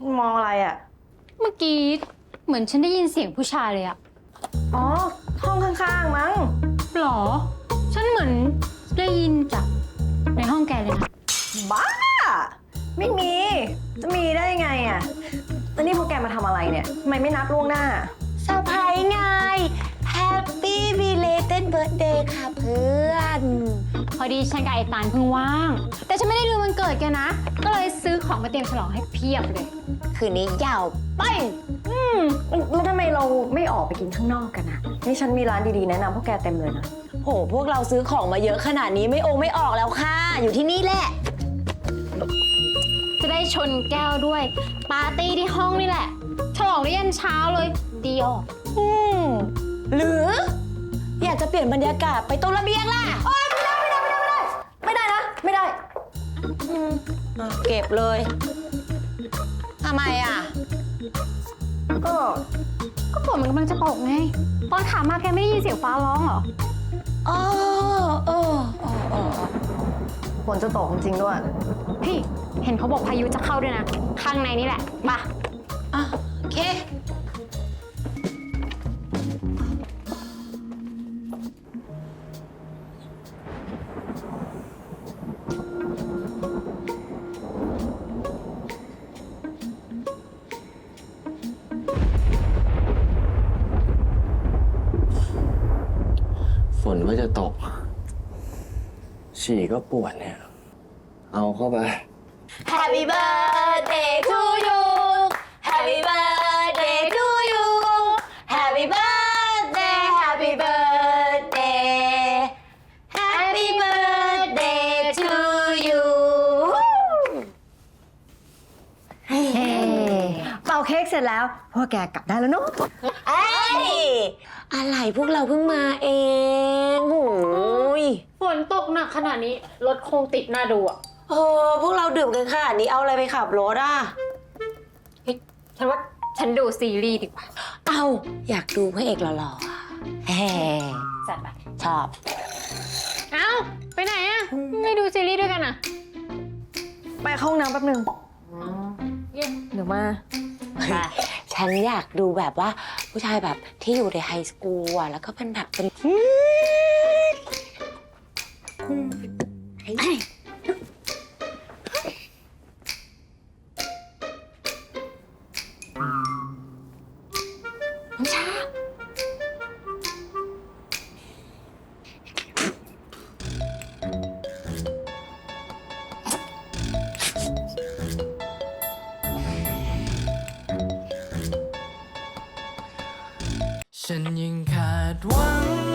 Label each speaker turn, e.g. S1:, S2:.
S1: มองอะไรอ่ะ
S2: เมื่อกี้เหมือนฉันได้ยินเสียงผู้ชายเลยอะ
S1: อ๋อห้องข้างๆมั้ง
S2: หรอ ฉันเหมือนได้ยินจากในห้องแกเลยนะ
S1: บ้าไม่มีจะมีได้ไงอ่ะแล้วนี่พวกแกมาทำอะไรเนี่ยทำไมไม่นัดล่วงหน้า
S3: เซอร์ไพรส์ไง Happy Belated Birthday ค่ะเพื่อน
S2: พอดีฉันกับไอ้ตาลเพิ่งว่าง แต่ฉันไม่ได้ลืมวันเกิดแกนะ ก็เลยซื้อของมาเตรียมฉลองให้เพียบเลย
S3: คืนนี้ยาวไป
S1: แล้วทำไมเราไม่ออกไปกินข้างนอกกันอ่ะนี่ฉันมีร้านดีๆแนะนำพวกแกเต็มเลยนะ
S3: โหพวกเราซื้อของมาเยอะขนาดนี้ไม่ออกแล้วค่ะ อยู่ที่นี่แหละ
S2: จะได้ชนแก้วด้วย ปาร์ตี้ที่ห้องนี่แหละ ฉลองได้ยันเช้าเลยดีออก
S3: หรือ อยากจะเปลี่ยนบรรยากาศไปตรงระเบียงล่ะ
S1: โอ๊ยไม่ได้นะไม่ได้
S3: เก็บเลยทำไมอ่ะ
S1: ก็
S2: ฝนมันกำลังจะตกไง ตอนขามาแกไม่ได้ยินเสียงฟ้าร้องเหรอ
S3: อ๋อ
S1: ฝนจะตกจริงๆด้วย
S2: พี่เห็นเขาบอกพายุจะเข้าด้วยนะ ข้างในนี่แหละมา
S3: โอเค
S4: ฝนก็จะตก ฉี่ก็ปวดเนี่ย เอาเข้าไป
S3: Happy birthday to you Happy birthday to you Happy birthday Happy birthday Happy birthday to you
S1: เป่าเค้กเสร็จแล้วพวกแกกลับได้แล้วเนาะ
S3: เอ้ยอะไรพวกเราเพิ่งมาเองโอ้ย
S2: ฝนตกหนักขนาดนี้รถคงติดหน้าดูอ่ะ
S3: พวกเราดื่มกันขนาดนี้เอาอะไรไปขับรถอ่ะ
S2: ฉันว่าฉันดูซีรีส์ดีกว่า
S3: เอาอยากดูพระเอกหล่อๆแหม
S2: จัดไป
S3: ชอบ
S2: เอ้าไปไหนอ่ะไม่ดูซีรีส์ด้วยกันอ่ะ
S1: ไปเข้าห้องน้ำแป๊บนึงเดี๋ยวมา
S3: ฉันอยากดูแบบว่าผู้ชายแบบที่อยู่ในไฮสคูลอ่ะแล้วก็เป็นแบบเป็น
S5: ฉันยังขาดหวัง